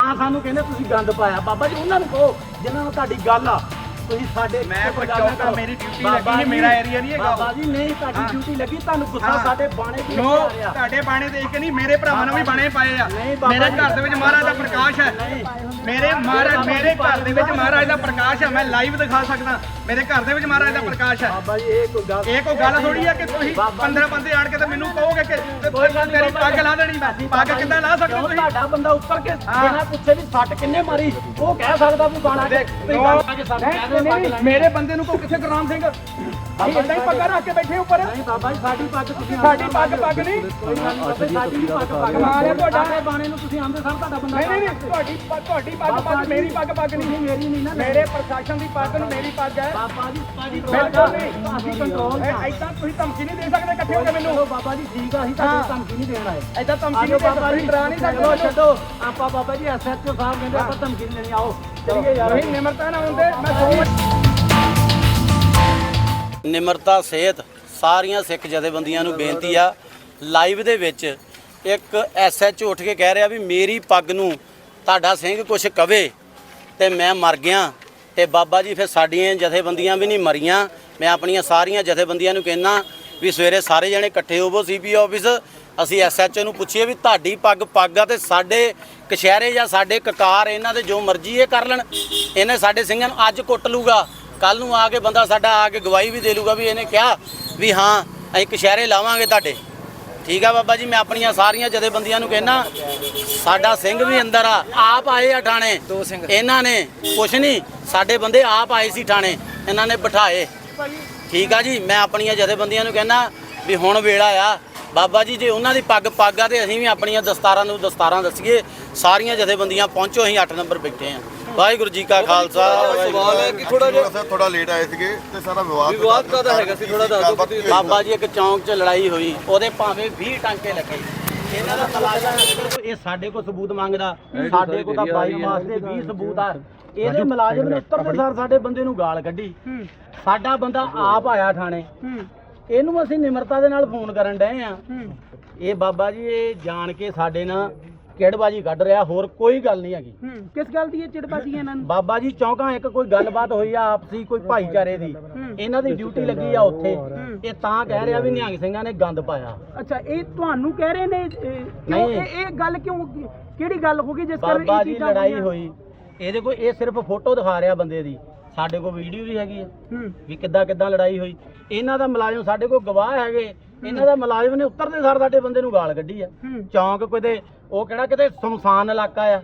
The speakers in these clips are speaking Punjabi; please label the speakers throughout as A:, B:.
A: ਤਾਂ ਸਾਨੂੰ ਕਹਿੰਦੇ ਤੁਸੀਂ ਗੰਦ ਪਾਇਆ। ਬਾਬਾ ਜੀ ਉਹਨਾਂ ਨੂੰ ਕਹੋ ਜਿਨ੍ਹਾਂ ਨੂੰ ਤੁਹਾਡੀ ਗੱਲ ਆ, ਤੁਸੀਂ ਸਾਡੇ
B: ਮੈਂ ਕੋਈ ਚੌਂਕਾ ਮੇਰੀ ਡਿਊਟੀ ਲੱਗੀ ਨਹੀਂ, ਮੇਰਾ ਏਰੀਆ ਨਹੀਂ ਹੈਗਾ।
A: ਬਾਬਾ ਜੀ ਨਹੀਂ ਤੁਹਾਡੀ ਡਿਊਟੀ ਲੱਗੀ, ਤੁਹਾਨੂੰ ਗੁੱਸਾ ਸਾਡੇ ਬਾਣੇ ਤੇ
B: ਨੋ
A: ਆ ਰਿਹਾ।
B: ਤੁਹਾਡੇ ਬਾਣੇ ਦੇਖ ਕੇ ਨਹੀਂ, ਮੇਰੇ ਭਰਾਵਾਂ ਨੇ ਵੀ ਬਾਣੇ ਪਾਏ ਆ। ਮੇਰੇ ਘਰ ਦੇ ਵਿੱਚ ਮਹਾਰਾਜ ਦਾ ਪ੍ਰਕਾਸ਼ ਹੈ। ਮੇਰੇ ਘਰ ਦੇ ਵਿੱਚ ਮਹਾਰਾਜ ਦਾ ਪ੍ਰਕਾਸ਼ ਹੈ। ਮੈਂ ਲਾਈਵ ਦਿਖਾ ਸਕਦਾ, ਮੇਰੇ ਘਰ ਦੇ ਵਿੱਚ ਮਹਾਰਾਜ ਦਾ ਪ੍ਰਕਾਸ਼ ਹੈ।
A: ਬਾਬਾ ਜੀ ਇਹ ਕੋਈ
B: ਗੱਲ ਥੋੜੀ ਹੈ ਕਿ ਤੁਸੀਂ 15 ਬੰਦੇ ਆਣ ਕੇ ਤੇ ਮੈਨੂੰ ਕਹੋਗੇ ਕਿ ਤੇਰੀ ਪੱਗ ਲਾ ਦੇਣੀ। ਮੈਂ ਪੱਗ ਕਿੱਦਾਂ ਲਾ ਸਕਦਾ? ਤੁਸੀਂ
A: ਤੁਹਾਡਾ ਬੰਦਾ ਉੱਪਰ ਕੇ ਬਿਨਾਂ ਪੁੱਛੇ ਵੀ ਸੱਟ ਕਿੰਨੇ ਮਾਰੀ, ਉਹ ਕਹਿ ਸਕਦਾ ਵੀ ਬਾਣਾ
B: ਮੇਰੇ ਬੰਦੇ ਨੂੰ ਕੋ ਕਿੱਥੇ ਗੁਰਨਾਮ ਸਿੰਘ ਇਦਾਂ ਹੀ ਪੱਗਾਂ ਰੱਖ ਕੇ ਬੈਠੇ ਉੱਪਰ।
A: ਨਹੀਂ ਬਾਬਾ ਜੀ ਸਾਡੀ ਪੱਗ ਤੁਸੀਂ
B: ਸਾਡੀ ਪੱਗ ਨਹੀਂ,
A: ਕੋਈ ਗੱਲ ਨਹੀਂ, ਸਾਡੀ ਵੀ ਪੱਗ
B: ਮਾਰਿਆ ਤੁਹਾਡਾ
A: ਬਾਣੇ ਨੂੰ ਤੁਸੀਂ ਆਂਦੇ ਸਰ ਤੁਹਾਡਾ ਬੰਦਾ
B: ਨਹੀਂ ਤੁਹਾਡੀ ਪੱਗ ਮੇਰੀ ਪੱਗ ਨਹੀਂ,
A: ਮੇਰੀ ਨਹੀਂ ਨਾ,
B: ਮੇਰੇ ਪ੍ਰਸ਼ਾਸਨ ਦੀ ਪੱਗ ਨੂੰ ਮੇਰੀ ਪੱਗ ਹੈ।
A: ਬਾਬਾ ਜੀ ਸਾਡੀ
B: ਬਿਲਕੁਲ ਨਹੀਂ,
A: ਅਸੀਂ ਕੰਟਰੋਲ
B: ਇਦਾਂ ਤੁਸੀਂ ਧਮਕੀ ਨਹੀਂ ਦੇ ਸਕਦੇ ਇਕੱਠੇ ਹੋ ਕੇ ਮੈਨੂੰ।
A: ਬਾਬਾ ਜੀ ਠੀਕ ਆ, ਅਸੀਂ ਤੁਹਾਨੂੰ ਧਮਕੀ ਨਹੀਂ ਦੇਣ ਆਏ।
B: ਇਦਾਂ ਧਮਕੀ ਨਹੀਂ
A: ਬਾਬਾ ਜੀ
B: ਡਰਾ ਨਹੀਂ ਸਕਦੇ।
A: ਛੱਡੋ ਆਪਾਂ ਬਾਬਾ ਜੀ ਐਸਐਚਓ ਸਾਹਿਬ ਕਹਿੰਦੇ ਆਪਾਂ ਧਮਕੀ ਨਹੀਂ ਦੇਣੀ, ਆਓ ਚਲੀਏ ਯਾਰ।
B: ਤੁਸੀਂ ਨਿਮਰਤਾ ਨਾਲ ਹੁੰਦੇ ਮੈਂ
C: ਨਿਮਰਤਾ ਸਹਿਤ ਸਾਰੀਆਂ ਸਿੱਖ ਜਥੇਬੰਦੀਆਂ ਨੂੰ ਬੇਨਤੀ ਆ, ਲਾਈਵ ਦੇ ਵਿੱਚ ਇੱਕ ਐਸਐਚਓ ਉੱਠ ਕੇ ਕਹਿ ਰਿਹਾ ਵੀ ਮੇਰੀ ਪੱਗ ਨੂੰ ਤੁਹਾਡਾ ਸਿੰਘ ਕੁਛ ਕਵੇ ਤੇ ਮੈਂ ਮਰ ਗਿਆ। ਤੇ ਬਾਬਾ ਜੀ ਫਿਰ ਸਾਡੀਆਂ ਜਥੇਬੰਦੀਆਂ ਵੀ ਨਹੀਂ ਮਰੀਆਂ। ਮੈਂ ਆਪਣੀਆਂ ਸਾਰੀਆਂ ਜਥੇਬੰਦੀਆਂ ਨੂੰ ਕਹਿਣਾ ਵੀ ਸਵੇਰੇ ਸਾਰੇ ਜਣੇ ਇਕੱਠੇ ਹੋਵੋ ਸੀਪੀ ਆਫਿਸ, ਅਸੀਂ ਐਸਐਚਓ ਨੂੰ ਪੁੱਛੀਏ ਵੀ ਤੁਹਾਡੀ ਪੱਗ ਆ ਤੇ ਸਾਡੇ ਕਸ਼ਹਿਰੇ ਜਾਂ ਸਾਡੇ ਕਕਾਰ ਇਹਨਾਂ ਦੇ ਜੋ ਮਰਜ਼ੀ ਇਹ ਕਰ ਲੈਣ। ਇਹਨੇ ਸਾਡੇ ਸਿੰਘਾਂ ਨੂੰ ਅੱਜ ਕੁੱਟ ਲੂਗਾ, ਕੱਲ ਨੂੰ ਆ ਕੇ ਬੰਦਾ ਸਾਡਾ ਆ ਕੇ ਗਵਾਹੀ ਵੀ ਦੇ ਲੂਗਾ ਵੀ ਇਹਨੇ ਕਿਹਾ ਵੀ ਹਾਂ ਅਸੀਂ ਕਸ਼ਹਿਰੇ ਲਾਵਾਂਗੇ ਤੁਹਾਡੇ। ਠੀਕ ਆ ਬਾਬਾ ਜੀ, ਮੈਂ ਆਪਣੀਆਂ ਸਾਰੀਆਂ ਜਥੇਬੰਦੀਆਂ ਨੂੰ ਕਹਿਣਾ ਸਾਡਾ ਸਿੰਘ ਵੀ ਅੰਦਰ ਆ, ਆਪ ਆਏ ਆ ਥਾਣੇ, ਇਹਨਾਂ ਨੇ ਕੁਛ ਨਹੀਂ, ਸਾਡੇ ਬੰਦੇ ਆਪ ਆਏ ਸੀ ਥਾਣੇ, ਇਹਨਾਂ ਨੇ ਬਿਠਾਏ। ਠੀਕ ਆ ਜੀ, ਮੈਂ ਆਪਣੀਆਂ ਜਥੇਬੰਦੀਆਂ ਨੂੰ ਕਹਿਣਾ ਵੀ ਹੁਣ ਵੇਲਾ ਆ ਬਾਬਾ ਜੀ, ਜੇ ਉਹਨਾਂ ਦੀ ਪੱਗ ਆ ਤੇ ਅਸੀਂ ਵੀ ਆਪਣੀਆਂ ਦਸਤਾਰਾਂ ਨੂੰ ਦਸਤਾਰਾਂ ਦੱਸੀਏ। ਸਾਰੀਆਂ ਜਥੇਬੰਦੀਆਂ ਪਹੁੰਚੋ, ਅਸੀਂ 8 ਨੰਬਰ ਬੈਠੇ ਆ। ਵਾਹਿਗੁਰੂ ਜੀ ਕਾ ਖਾਲਸਾ।
D: ਸਵਾਲ ਹੈ ਕਿ ਥੋੜਾ ਲੇਟ ਆਏ ਸੀਗੇ ਤੇ ਸਾਰਾ ਵਿਵਾਦ ਕਾਹਦਾ ਹੈਗਾ ਸੀ, ਥੋੜਾ ਦੱਸ ਦਿਓ।
C: ਬਾਬਾ ਜੀ ਇੱਕ ਚੌਂਕ 'ਚ ਲੜਾਈ ਹੋਈ, ਉਹਦੇ ਭਾਵੇਂ 20 ਟਾਂਕੇ ਲੱਗੇ। ਇਹਨਾਂ ਦਾ ਮੁਲਾਜ਼ਮ ਇਹ ਸਾਡੇ ਕੋਲ ਸਬੂਤ ਮੰਗਦਾ, ਸਾਡੇ ਕੋਲ ਤਾਂ 22 ਮਾਸ ਦੇ 20 ਸਬੂਤ ਆ। ਇਹਦੇ ਮੁਲਾਜ਼ਮ ਨੇ ਉੱਤਰਦੇ ਸਾਰ ਸਾਡੇ ਬੰਦੇ ਨੂੰ ਗਾਲ ਕੱਢੀ। ਸਾਡਾ ਬੰਦਾ ਆਪ ਆਇਆ ਥਾਣੇ, ਇਹਨੂੰ ਅਸੀਂ ਨਿਮਰਤਾ ਦੇ ਨਾਲ ਫੋਨ ਕਰਨ ਡਏ ਆ। ਇਹ ਬਾਬਾ ਜੀ ਇਹ ਜਾਣ ਕੇ ਸਾਡੇ ਨਾਲ ਚਿੜਬਾਜੀ ਕੱਢ ਰਿਹਾ, ਹੋਰ ਕੋਈ ਗੱਲ ਨਹੀਂ ਹੈਗੀ।
A: ਕਿਸ ਗੱਲ ਦੀ ਇਹ ਚਿੜਬਾਜੀ ਇਹਨਾਂ ਨੂੰ?
C: ਬਾਬਾ ਜੀ ਚੌਂਕਾਂ ਇੱਕ ਕੋਈ ਗੱਲਬਾਤ ਹੋਈ ਆ ਆਪਸੀ, ਕੋਈ ਭਾਈਚਾਰੇ ਦੀ, ਇਹਨਾਂ ਦੀ ਡਿਊਟੀ ਲੱਗੀ ਆ ਉੱਥੇ। ਇਹ ਤਾਂ ਕਹਿ ਰਿਹਾ ਵੀ ਨਿਹੰਗ ਸਿੰਘਾਂ ਨੇ ਗੰਦ ਪਾਇਆ।
A: ਅੱਛਾ, ਇਹ ਤੁਹਾਨੂੰ ਕਹਿ ਰਹੇ ਨੇ?
C: ਨਹੀਂ,
A: ਇਹ ਗੱਲ ਕਿਉਂ, ਕਿਹੜੀ ਗੱਲ ਹੋ ਗਈ ਜਿਸ ਕਰਕੇ
C: ਬਾਬਾ ਜੀ ਲੜਾਈ ਹੋਈ? ਇਹਦੇ ਕੋਲ ਇਹ ਸਿਰਫ ਫੋਟੋ ਦਿਖਾ ਰਿਹਾ ਬੰਦੇ ਦੀ, ਸਾਡੇ ਕੋਲ ਵੀਡੀਓ ਵੀ ਹੈਗੀ ਹੈ ਵੀ ਕਿੱਦਾਂ ਲੜਾਈ ਹੋਈ। ਇਹਨਾਂ ਦਾ ਮੁਲਾਜ਼ਮ ਸਾਡੇ ਕੋਲ ਗਵਾਹ ਹੈਗੇ, ਇਹਨਾਂ ਦਾ ਮੁਲਾਜ਼ਮ ਨੇ ਉੱਤਰਦੇ ਸਾਰ ਸਾਡੇ ਬੰਦੇ ਨੂੰ ਗਾਲ ਕੱਢੀ ਆ। ਚੌਂਕ ਕਿਤੇ ਉਹ ਕਿਹੜਾ ਕਿਤੇ ਸੁਨਸਾਨ ਇਲਾਕਾ ਆ,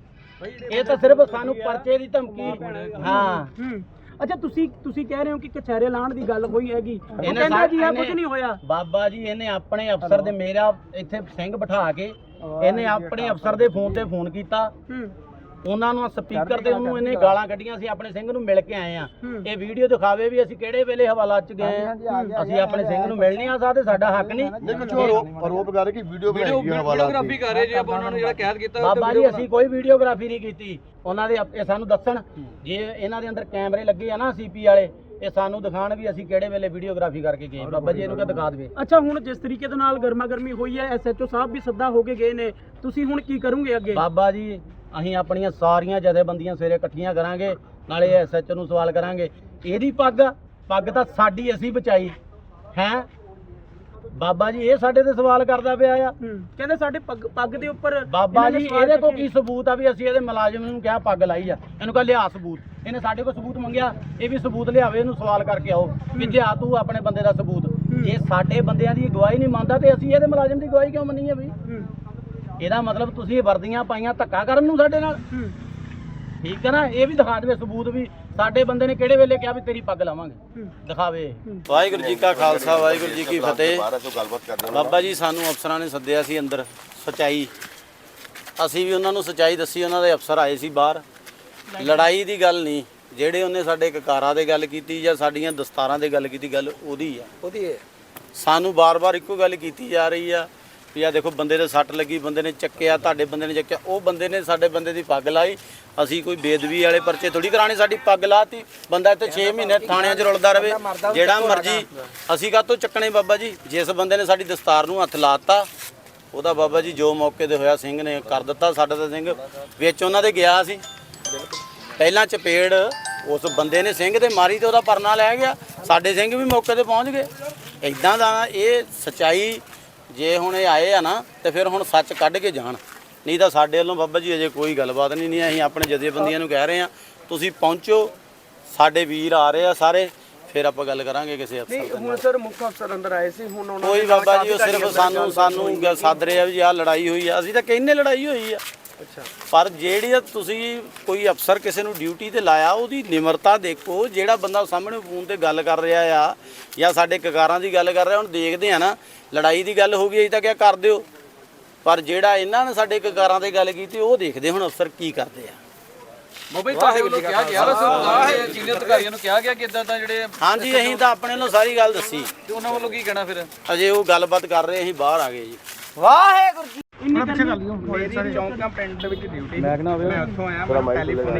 C: ਇਹ ਤਾਂ ਸਿਰਫ ਸਾਨੂੰ ਪਰਚੇ ਦੀ ਧਮਕੀ। ਹਾਂ
A: ਅੱਛਾ, ਤੁਸੀਂ ਕਹਿ ਰਹੇ ਹੋ ਕਿ ਕਚਹਿਰੇ ਲਾਣ ਦੀ ਗੱਲ ਹੋਈ ਹੈਗੀ,
C: ਇਹਨੇ
A: ਕਹਿੰਦਾ ਜੀ ਇਹ ਕੁਝ ਨਹੀਂ ਹੋਇਆ।
C: ਬਾਬਾ ਜੀ ਇਹਨੇ ਆਪਣੇ ਅਫਸਰ ਦੇ, ਮੇਰਾ ਇੱਥੇ ਸਿੰਘ ਬਿਠਾ ਕੇ ਇਹਨੇ ਆਪਣੇ ਅਫਸਰ ਦੇ ਫੋਨ ਤੇ ਫੋਨ ਕੀਤਾ, ਉਹਨਾਂ ਨੂੰ ਸਪੀਕਰ ਤੇ ਉਹਨੂੰ ਇਹਨੇ ਗਾਲਾਂ ਕੱਢੀਆਂ। ਅਸੀਂ ਆਪਣੇ ਸਿੰਘ ਨੂੰ ਮਿਲ ਕੇ ਆਏ ਆ, ਇਹ ਵੀਡੀਓ ਦਿਖਾਵੇ ਵੀ ਅਸੀਂ ਕਿਹੜੇ ਵੇਲੇ ਹਵਾਲਾ ਚ ਗਏ ਆ। ਅਸੀਂ ਆਪਣੇ ਸਿੰਘ ਨੂੰ ਮਿਲ ਨਹੀਂ ਆ ਸਕਦੇ, ਸਾਡਾ ਹੱਕ ਨਹੀਂ।
D: ਆਰੋਪ ਕਰ ਰਹੇ ਕਿ ਵੀਡੀਓ
E: ਵੀਡੀਓਗ੍ਰਾਫੀ ਕਰ ਰਹੇ ਜੀ ਆਪਾਂ ਉਹਨਾਂ ਨੂੰ ਜਿਹੜਾ ਕੈਦ ਕੀਤਾ।
C: ਬਾਬਾ ਜੀ ਅਸੀਂ ਕੋਈ ਵੀਡੀਓਗ੍ਰਾਫੀ ਨਹੀਂ ਕੀਤੀ, ਉਹਨਾਂ ਦੇ ਇਹ ਸਾਨੂੰ ਦੱਸਣ, ਜੇ ਇਹਨਾਂ ਦੇ ਅੰਦਰ ਕੈਮਰੇ ਲੱਗੇ ਆ ਨਾ ਸੀਪੀ ਵਾਲੇ, ਇਹ ਸਾਨੂੰ ਦਿਖਾਣ ਵੀ ਅਸੀਂ ਕਿਹੜੇ ਵੇਲੇ ਵੀਡੀਓਗ੍ਰਾਫੀ ਕਰਕੇ ਗਏ। ਬਾਬਾ ਜੀ ਇਹਨੂੰ ਕਿਹ ਦਿਖਾ ਦੇਵੇ।
A: ਅੱਛਾ, ਹੁਣ ਜਿਸ ਤਰੀਕੇ ਦੇ ਨਾਲ ਗਰਮਾ ਗਰਮੀ ਹੋਈ ਹੈ, ਐਸਐਚਓ ਸਾਹਿਬ ਵੀ ਸੱਦਾ ਹੋ ਕੇ ਗਏ ਨੇ, ਤੁਸੀਂ ਹੁਣ ਕੀ ਕਰੋਗੇ ਅੱਗੇ?
C: ਬਾਬਾ ਜੀ ਅਸੀਂ ਆਪਣੀਆਂ ਸਾਰੀਆਂ ਜਥੇਬੰਦੀਆਂ ਸਵੇਰੇ ਇਕੱਠੀਆਂ ਕਰਾਂਗੇ, ਨਾਲੇ ਐਸਐਚਓ ਨੂੰ ਸਵਾਲ ਕਰਾਂਗੇ। ਇਹਦੀ ਪੱਗ ਤਾਂ ਸਾਡੀ ਅਸੀਂ ਬਚਾਈ ਹੈ। ਬਾਬਾ ਜੀ ਇਹ ਸਾਡੇ ਤੇ ਸਵਾਲ ਕਰਦਾ ਪਿਆ ਆ,
A: ਕਹਿੰਦੇ ਸਾਡੇ ਪੱਗ ਦੇ ਉੱਪਰ।
C: ਬਾਬਾ ਜੀ ਇਹਦੇ ਕੋਲ ਕੀ ਸਬੂਤ ਆ ਵੀ ਅਸੀਂ ਇਹਦੇ ਮੁਲਾਜ਼ਮ ਨੂੰ ਕਿਹਾ ਪੱਗ ਲਾਈ ਆ? ਇਹਨੂੰ ਕਹ ਲਿਆ ਸਬੂਤ। ਇਹਨੇ ਸਾਡੇ ਕੋਲ ਸਬੂਤ ਮੰਗਿਆ, ਇਹ ਵੀ ਸਬੂਤ ਲਿਆਵੇ, ਇਹਨੂੰ ਸਵਾਲ ਕਰਕੇ ਆਓ ਕਿ ਲਿਆ ਤੂੰ ਆਪਣੇ ਬੰਦੇ ਦਾ ਸਬੂਤ। ਜੇ ਸਾਡੇ ਬੰਦਿਆਂ ਦੀ ਗਵਾਹੀ ਨਹੀਂ ਮੰਨਦਾ ਤੇ ਅਸੀਂ ਇਹਦੇ ਮੁਲਾਜ਼ਮ ਦੀ ਗਵਾਹੀ ਕਿਉਂ ਮੰਨੀਏ ਬਈ? ਇਹਦਾ ਮਤਲਬ ਤੁਸੀਂ ਵਰਦੀਆਂ ਪਾਈਆਂ ਧੱਕਾ ਕਰਨ ਨੂੰ ਸਾਡੇ ਨਾਲ। ਠੀਕ ਹੈ ਨਾ, ਇਹ ਵੀ ਦਿਖਾ ਦੇਵੇ ਸਬੂਤ ਵੀ ਸਾਡੇ ਬੰਦੇ ਨੇ ਕਿਹੜੇ ਵੇਲੇ ਕਿਹਾ ਵੀ ਤੇਰੀ ਪੱਗ ਲਾਵਾਂਗੇ, ਦਿਖਾਵੇ। ਵਾਹਿਗੁਰੂ ਜੀ ਕਾ ਖਾਲਸਾ, ਵਾਹਿਗੁਰੂ ਜੀ ਕੀ ਫਤਿਹ। ਬਾਬਾ ਜੀ ਸਾਨੂੰ ਅਫਸਰਾਂ ਨੇ ਸੱਦਿਆ ਸੀ ਅੰਦਰ, ਸਚਾਈ, ਅਸੀਂ ਵੀ ਉਹਨਾਂ ਨੂੰ ਸਚਾਈ ਦੱਸੀ। ਉਹਨਾਂ ਦੇ ਅਫਸਰ ਆਏ ਸੀ ਬਾਹਰ। ਲੜਾਈ ਦੀ ਗੱਲ ਨਹੀਂ, ਜਿਹੜੇ ਉਹਨੇ ਸਾਡੇ ਕਕਾਰਾਂ ਦੇ ਗੱਲ ਕੀਤੀ ਜਾਂ ਸਾਡੀਆਂ ਦਸਤਾਰਾਂ ਦੇ ਗੱਲ ਕੀਤੀ, ਗੱਲ ਉਹਦੀ ਆ। ਸਾਨੂੰ ਬਾਰ-ਬਾਰ ਇੱਕੋ ਗੱਲ ਕੀਤੀ ਜਾ ਰਹੀ ਆ ਵੀ ਆ ਦੇਖੋ ਬੰਦੇ ਦੇ ਸੱਟ ਲੱਗੀ, ਬੰਦੇ ਨੇ ਚੱਕਿਆ, ਤੁਹਾਡੇ ਬੰਦੇ ਨੇ ਚੱਕਿਆ। ਉਹ ਬੰਦੇ ਨੇ ਸਾਡੇ ਬੰਦੇ ਦੀ ਪੱਗ ਲਾਈ। ਅਸੀਂ ਕੋਈ ਬੇਦਬੀ ਵਾਲੇ ਪਰਚੇ ਥੋੜੀ ਕਰਾਣੇ, ਸਾਡੀ ਪੱਗ ਲਾਤੀ। ਬੰਦਾ ਇੱਥੇ 6 ਮਹੀਨੇ ਥਾਣਿਆਂ 'ਚ ਰੁਲਦਾ ਰਵੇ, ਜਿਹੜਾ ਮਰਜੀ। ਅਸੀਂ ਕਾਹਤੋਂ ਚੱਕਣੇ ਬਾਬਾ ਜੀ? ਜਿਸ ਬੰਦੇ ਨੇ ਸਾਡੀ ਦਸਤਾਰ ਨੂੰ ਹੱਥ ਲਾਤਾ, ਉਹਦਾ ਬਾਬਾ ਜੀ ਜੋ ਮੌਕੇ ਤੇ ਹੋਇਆ ਸਿੰਘ ਨੇ ਕਰ ਦਿੱਤਾ। ਸਾਡਾ ਤਾਂ ਸਿੰਘ ਵਿੱਚ ਉਹਨਾਂ ਦੇ ਗਿਆ ਸੀ, ਪਹਿਲਾਂ ਚਪੇੜ ਉਸ ਬੰਦੇ ਨੇ ਸਿੰਘ ਤੇ ਮਾਰੀ ਤੇ ਉਹਦਾ ਪਰਨਾ ਲੈ ਗਿਆ। ਸਾਡੇ ਸਿੰਘ ਵੀ ਮੌਕੇ ਤੇ ਪਹੁੰਚ ਗਏ। ਇਦਾਂ ਦਾ ਇਹ ਸਚਾਈ, ਜੇ ਹੁਣ ਇਹ ਆਏ ਆ ਨਾ ਤੇ ਫਿਰ ਹੁਣ ਸੱਚ ਕੱਢ ਕੇ ਜਾਣ, ਨਹੀਂ ਤਾਂ ਸਾਡੇ ਵੱਲੋਂ ਬਾਬਾ ਜੀ ਅਜੇ ਕੋਈ ਗੱਲਬਾਤ ਨਹੀਂ। ਅਸੀਂ ਆਪਣੇ ਜਥੇਬੰਦੀਆਂ ਨੂੰ ਕਹਿ ਰਹੇ ਹਾਂ ਤੁਸੀਂ ਪਹੁੰਚੋ, ਸਾਡੇ ਵੀਰ ਆ ਰਹੇ ਆ ਸਾਰੇ, ਫਿਰ ਆਪਾਂ ਗੱਲ ਕਰਾਂਗੇ ਕਿਸੇ ਅਫਸਰ ਨਾਲ।
B: ਹੁਣ ਸਰ ਮੁੱਖ ਅਫਸਰ ਅੰਦਰ ਆਏ ਸੀ, ਹੁਣ ਉਹਨਾਂ
C: ਕੋਈ ਬਾਬਾ ਜੀ ਉਹ ਸਿਰਫ ਸਾਨੂੰ ਸੱਦ ਰਹੇ ਆ ਵੀ ਆਹ ਲੜਾਈ ਹੋਈ ਆ। ਅਸੀਂ ਤਾਂ ਕਹਿੰਦੇ ਲੜਾਈ ਹੋਈ ਆ, ਪਰ ਜਿਹੜੀ ਤੁਸੀਂ ਕੋਈ ਅਫਸਰ ਕਿਸੇ ਨੂੰ ਡਿਊਟੀ ਤੇ ਲਾਇਆ ਉਹਦੀ ਨਿਮਰਤਾ ਦੇਖੋ। ਜਿਹੜਾ ਬੰਦਾ ਸਾਹਮਣੇ ਫੋਨ ਤੇ ਗੱਲ ਕਰ ਰਿਹਾ ਆ ਜਾਂ ਸਾਡੇ ਕਕਾਰਾਂ ਦੀ ਗੱਲ ਕਰ ਰਿਹਾ, ਹੁਣ ਦੇਖਦੇ ਆ ਨਾ ਲੜਾਈ ਦੀ ਗੱਲ ਹੋ ਗਈ, ਅਸੀਂ ਤਾਂ ਕਿਹਾ ਕਰ ਦਿਓ, ਪਰ ਜਿਹੜਾ ਇਹਨਾਂ ਨੇ ਸਾਡੇ ਕਕਾਰਾਂ ਤੇ ਗੱਲ ਕੀਤੀ ਉਹ ਦੇਖਦੇ ਹੁਣ ਅਫਸਰ ਕੀ ਕਰਦੇ ਆ।
E: ਬਾਬਾ ਜੀ ਤੁਹਾਡੇ ਵੱਲੋਂ ਕਿਹਾ ਗਿਆ ਵੈਸੇ ਸੀਨੀਅਰ ਅਧਿਕਾਰੀਆਂ ਨੂੰ ਕਿਹਾ ਗਿਆ ਕਿ ਇਦਾਂ ਤਾਂ ਜਿਹੜੇ
C: ਹਾਂਜੀ ਅਸੀਂ ਤਾਂ ਆਪਣੇ ਵੱਲੋਂ ਸਾਰੀ ਗੱਲ ਦੱਸੀ,
E: ਤੇ ਉਹਨਾਂ ਵੱਲੋਂ ਕੀ ਕਹਿਣਾ ਫਿਰ?
C: ਅਜੇ ਉਹ ਗੱਲਬਾਤ ਕਰ ਰਹੇ, ਅਸੀਂ ਬਾਹਰ ਆ ਗਏ ਜੀ।
B: ਵਾਹਿਗੁਰੂ ਜੀ। ਮੇਰੀ ਚੌਂਕਾਂ ਪਿੰਡ ਦੇ ਵਿੱਚ ਡਿਊਟੀ, ਮੈਂ ਉੱਥੋਂ ਆਇਆ, ਮੈਨੂੰ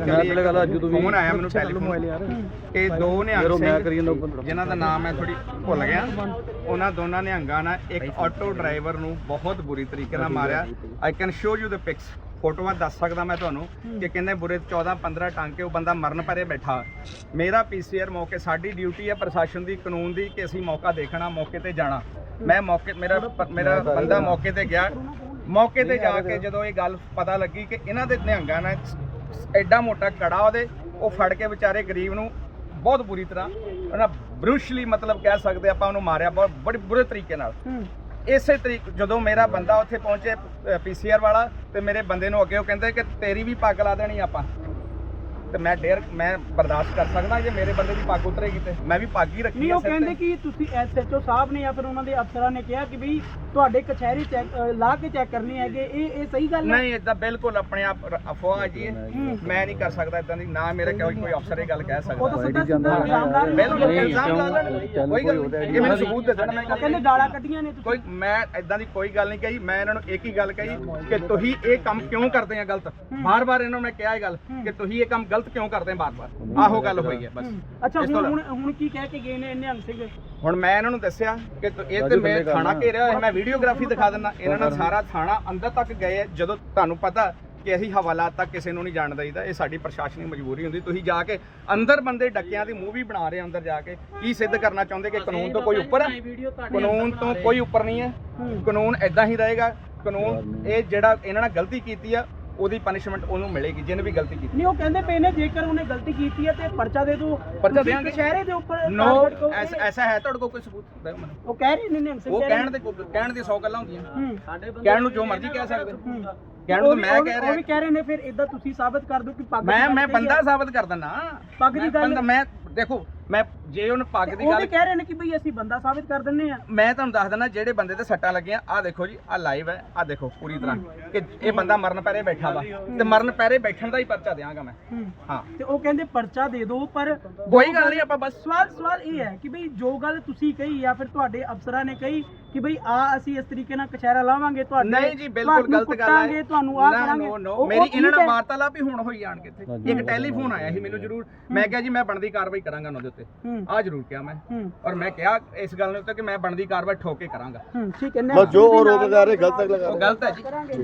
B: ਟੈਲੀਫੋਨ ਫੋਨ ਆਇਆ, ਮੈਨੂੰ ਟੈਲੀਫੋਨ ਇਹ ਦੋ ਨਿਹੰਗ ਸਿੰਘ ਜਿਨ੍ਹਾਂ ਦਾ ਨਾਮ ਮੈਂ ਥੋੜੀ ਭੁੱਲ ਗਿਆ, ਉਹਨਾਂ ਦੋਨਾਂ ਨਿਹੰਗਾਂ ਨਾਲ ਇੱਕ ਆਟੋ ਡਰਾਈਵਰ ਨੂੰ ਬਹੁਤ ਬੁਰੀ ਤਰੀਕੇ ਨਾਲ ਮਾਰਿਆ। I can show you the pics, ਫੋਟੋਆਂ ਦੱਸ ਸਕਦਾ ਮੈਂ ਤੁਹਾਨੂੰ ਕਿ ਕਿੰਨੇ ਬੁਰੇ 14-15 ਟਾਂਕੇ, ਉਹ ਬੰਦਾ ਮਰਨ ਪਰੇ ਬੈਠਾ। ਮੇਰਾ ਪੀਸੀਆਰ ਮੌਕੇ, ਸਾਡੀ ਡਿਊਟੀ ਹੈ ਪ੍ਰਸ਼ਾਸਨ ਦੀ, ਕਾਨੂੰਨ ਦੀ, ਕਿ ਅਸੀਂ ਮੌਕਾ ਦੇਖਣਾ, ਮੌਕੇ ਤੇ ਜਾਣਾ। ਮੈਂ ਮੌਕੇ ਮੇਰਾ ਬੰਦਾ ਮੌਕੇ ਤੇ ਗਿਆ। ਮੌਕੇ ਤੇ ਜਾ ਕੇ ਜਦੋਂ ਇਹ ਗੱਲ ਪਤਾ ਲੱਗੀ ਕਿ ਇਹਨਾਂ ਦੇ ਨਿਹੰਗਾਂ ਨੇ ਐਡਾ ਮੋਟਾ ਕੜਾ ਉਹਦੇ, ਉਹ ਫੜ ਕੇ ਵਿਚਾਰੇ ਗਰੀਬ ਨੂੰ ਬਹੁਤ ਬੁਰੀ ਤਰ੍ਹਾਂ ਉਹਨਾਂ ਬਰੂਸ਼ਲੀ, ਮਤਲਬ ਕਹਿ ਸਕਦੇ ਆਪਾਂ, ਉਹਨੂੰ ਮਾਰਿਆ ਬਹੁਤ ਬੜੇ ਬੁਰੇ ਤਰੀਕੇ ਨਾਲ। ਇਸੇ ਤਰੀਕ ਜਦੋਂ ਮੇਰਾ ਬੰਦਾ ਉੱਥੇ ਪਹੁੰਚੇ ਪੀਸੀਆਰ ਵਾਲਾ, ਤੇ ਮੇਰੇ ਬੰਦੇ ਨੂੰ ਅੱਗੇ ਉਹ ਕਹਿੰਦੇ ਕਿ ਤੇਰੀ ਵੀ ਪੱਗ ਲਾ ਦੇਣੀ ਆਪਾਂ, ਤੇ ਮੈਂ ਬਰਦਾਸ਼ਤ ਕਰ ਸਕਦਾ ਜੇ ਮੇਰੇ ਬੰਦੇ ਦੀ ਪੱਗ ਉਤਰੇਗੀ ਤੇ ਮੈਂ ਵੀ ਪੱਗ ਹੀ ਰੱਖੀ।
A: ਨਹੀਂ, ਉਹ ਕਹਿੰਦੇ ਕਿ ਤੁਸੀਂ ਐਸਐਚਓ ਸਾਹਿਬ ਨੇ ਜਾਂ ਫਿਰ ਉਹਨਾਂ ਦੇ ਅਫਸਰਾਂ ਨੇ ਕਿਹਾ ਕਿ ਵੀ ਤੁਹਾਡੇ ਕਚਹਿਰੀ ਚੈੱਕ ਲਾ ਕੇ ਚੈੱਕ ਕਰਨੀ ਹੈਗੇ, ਇਹ ਸਹੀ ਗੱਲ ਹੈ?
B: ਨਹੀਂ, ਇਦਾਂ ਬਿਲਕੁਲ ਆਪਣੇ ਆਪ ਅਫਵਾਹ ਜੀ, ਮੈਂ ਨਹੀਂ ਕਰ ਸਕਦਾ ਇਦਾਂ ਦੀ, ਨਾ ਮੇਰੇ ਕੋਈ ਅਫਸਰ ਇਹ ਗੱਲ ਕਹਿ
A: ਉਹ ਤਾਂ
B: ਸਕਦਾ।
A: ਸਿੱਧਾ ਇਲਜ਼ਾਮਦਾਰ ਨੇ।
B: ਬਿਲਕੁਲ ਇਲਜ਼ਾਮ ਲਾ ਲੈਣ, ਕੋਈ ਗੱਲ ਨਹੀਂ, ਇਹ ਮੈਨੂੰ ਸਬੂਤ ਦੇ ਦੇਣਾ। ਮੈਂ
A: ਕਹਿੰਦੇ ਗਾਲਾਂ ਕੱਢੀਆਂ ਨੇ
B: ਕੋਈ, ਮੈਂ ਇਦਾਂ ਦੀ ਕੋਈ ਗੱਲ ਨਹੀਂ ਕਹੀ। ਮੈਂ ਇਹਨਾਂ ਨੂੰ ਇੱਕ ਹੀ ਗੱਲ ਕਹੀ ਕਿ ਤੁਸੀਂ ਇਹ ਕੰਮ ਕਿਉਂ ਕਰਦੇ ਆ ਗਲਤ। ਬਾਰ-ਬਾਰ ਇਹਨਾਂ ਨੂੰ ਮੈਂ ਕਿਹਾ ਇਹ ਗੱਲ ਕਿ ਤੁਸੀਂ ਇਹ ਕੰਮ ਗਲਤ ਕਿਉਂ ਕਰਦੇ ਆ ਬਾਰ-ਬਾਰ। ਆਹੋ ਗੱਲ ਹੋਈ ਹੈ ਬਸ।
A: ਅੱਛਾ, ਹੁਣ ਕੀ ਕਹਿ ਕੇ ਗਏ ਨੇ ਨਿਹੰਗ ਸਿੰਘ?
B: ਹੁਣ ਮੈਂ ਇਹਨਾਂ ਨੂੰ ਦੱਸਿਆ ਕਿ ਇਹ ਤੇ ਮੈਂ ਥਾਣਾ ਘੇਰਿਆ ਹੋਇਆ, ਮੈਂ ਵੀਡੀਓਗ੍ਰਾਫੀ ਦਿਖਾ ਦਿੰਦਾ। ਇਹਨਾਂ ਨੇ ਸਾਰਾ ਥਾਣਾ ਅੰਦਰ ਤੱਕ ਗਏ। ਜਦੋਂ ਤੁਹਾਨੂੰ ਪਤਾ ਕਿ ਅਸੀਂ ਹਵਾਲਾਤ ਤੱਕ ਕਿਸੇ ਨੂੰ ਨਹੀਂ ਜਾਣ ਦਈਦਾ, ਇਹ ਸਾਡੀ ਪ੍ਰਸ਼ਾਸਨਿਕ ਮਜਬੂਰੀ ਹੁੰਦੀ। ਤੁਸੀਂ ਜਾ ਕੇ ਅੰਦਰ ਬੰਦੇ ਡੱਕਿਆਂ ਦੀ ਮੂਵੀ ਬਣਾ ਰਹੇ, ਅੰਦਰ ਜਾ ਕੇ ਕੀ ਸਿੱਧ ਕਰਨਾ ਚਾਹੁੰਦੇ ਕਿ ਕਾਨੂੰਨ ਤੋਂ ਕੋਈ ਉੱਪਰ ਹੈ? ਕਾਨੂੰਨ ਤੋਂ ਕੋਈ ਉੱਪਰ ਨਹੀਂ ਹੈ। ਕਾਨੂੰਨ ਇਦਾਂ ਹੀ ਰਹੇਗਾ। ਕਾਨੂੰਨ ਇਹ ਜਿਹੜਾ ਇਹਨਾਂ ਨੇ ਗਲਤੀ ਕੀਤੀ ਆ ਉਹਦੀ ਪਨਿਸ਼ਮੈਂਟ ਉਹਨੂੰ ਮਿਲੇਗੀ, ਜਿਹਨੇ ਵੀ ਗਲਤੀ ਕੀਤੀ।
A: ਨਹੀਂ, ਉਹ ਕਹਿੰਦੇ ਪਏ ਨੇ ਜੇਕਰ ਉਹਨੇ ਗਲਤੀ ਕੀਤੀ ਹੈ ਤੇ ਪਰਚਾ ਦੇ ਦਿਓ।
B: ਪਰਚਾ ਦੇਾਂਗੇ
A: ਕਚਹਿਰੇ ਦੇ ਉੱਪਰ
B: ਨੋ, ਐਸਾ ਹੈ ਤੁਹਾਡੇ ਕੋਲ ਕੋਈ ਸਬੂਤ ਦਿਓ ਮੈਨੂੰ।
A: ਉਹ ਕਹਿ ਰਹੇ ਨੇ ਨਿਹੰਗ ਸਿੰਘ,
B: ਉਹ ਕਹਿਣ ਦੀ 100 ਗੱਲਾਂ ਹੁੰਦੀਆਂ। ਕਹਿਣ ਨੂੰ ਜੋ ਮਰਜ਼ੀ ਕਹਿ ਸਕਦੇ, ਕਹਿਣ ਨੂੰ ਮੈਂ ਕਹਿ ਰਿਹਾ।
A: ਉਹ ਵੀ ਕਹਿ ਰਹੇ ਨੇ ਫਿਰ ਇਦਾਂ ਤੁਸੀਂ ਸਾਬਤ ਕਰ ਦਿਓ ਕਿ ਪੱਗ
B: ਮੈਂ ਬੰਦਾ ਸਾਬਤ ਕਰ ਦਿੰਦਾ।
A: ਪੱਗ ਦੀ ਗੱਲ
B: ਮੈਂ ਦੇਖੋ, ਮੈਂ ਜੇ ਉਹਨ ਪੱਗ ਦੀ ਗੱਲ
A: ਕਹਿ ਰਹੇ ਨੇ ਕਿ ਬਈ ਅਸੀਂ ਬੰਦਾ ਸਾਬਤ ਕਰ ਦਿੰਨੇ ਆ।
B: ਮੈਂ ਤੁਹਾਨੂੰ ਦੱਸ ਦਿੰਦਾ ਜਿਹੜੇ ਬੰਦੇ ਤੇ ਸੱਟਾਂ ਲੱਗੀਆਂ, ਆਹ ਦੇਖੋ ਜੀ, ਆਹ ਲਾਈਵ ਹੈ, ਆਹ ਦੇਖੋ ਪੂਰੀ ਤਰ੍ਹਾਂ ਕਿ ਇਹ ਬੰਦਾ ਮਰਨ ਪੈਰੇ ਬੈਠਾ ਵਾ, ਤੇ ਮਰਨ ਪੈਰੇ ਬੈਠਣ ਦਾ ਹੀ ਪਰਚਾ ਦਿਆਂਗਾ ਮੈਂ। ਹਾਂ,
A: ਤੇ ਉਹ ਕਹਿੰਦੇ ਪਰਚਾ ਦੇ ਦਿਓ, ਪਰ
B: ਕੋਈ ਗੱਲ ਨਹੀਂ, ਆਪਾਂ ਬਸ
A: ਸਵਾਲ ਇਹ ਹੈ ਕਿ ਬਈ ਜੋ ਗੱਲ ਤੁਸੀਂ ਕਹੀ ਜਾਂ ਫਿਰ ਤੁਹਾਡੇ ਅਫਸਰਾਂ ਨੇ ਕਹੀ ਕਿ ਬਈ ਅਸੀਂ ਇਸ ਤਰੀਕੇ ਨਾਲ ਕਚਹਿਰਾ ਲਾਵਾਂਗੇ ਤੁਹਾਡੇ,
B: ਨਹੀਂ ਜੀ, ਬਿਲਕੁਲ ਗਲਤ ਗੱਲ ਹੈ।
A: ਤੁਹਾਨੂੰ ਆ ਕਰਾਂਗੇ।
B: ਮੇਰੀ ਇਹਨਾਂ ਨਾਲ ਵਾਰਤਾਲਾਪ ਹੀ ਹੁਣ ਹੋਈ ਆਣ ਕੇ ਇੱਥੇ। ਇੱਕ ਟੈਲੀਫੋਨ ਆਇਆ ਸੀ ਮੈਨੂੰ ਜ਼ਰੂਰ, ਮੈਂ ਕਿਹਾ ਜੀ ਮੈਂ ਬਣਦੀ ਕਾਰਵਾਈ ਕਰਾਂਗਾ ਉਹਨਾਂ ਦੇ ਉੱਤੇ, ਆ ਜ਼ਰੂਰ ਕਿਹਾ ਮੈਂ। ਔਰ ਮੈਂ ਕਿਹਾ ਇਸ ਗੱਲ ਦੇ ਉੱਤੇ ਕਿ ਮੈਂ ਬਣਦੀ ਕਾਰਵਾਈ ਠੋਕ ਕੇ ਕਰਾਂਗਾ।
A: ਠੀਕ ਹੈ,
D: ਜੋ ਆਰੋਪ ਲਗਾ ਰਹੇ ਗਲਤ ਲਗਾ ਰਹੇ।
B: ਉਹ ਗਲਤ ਹੈ ਜੀ।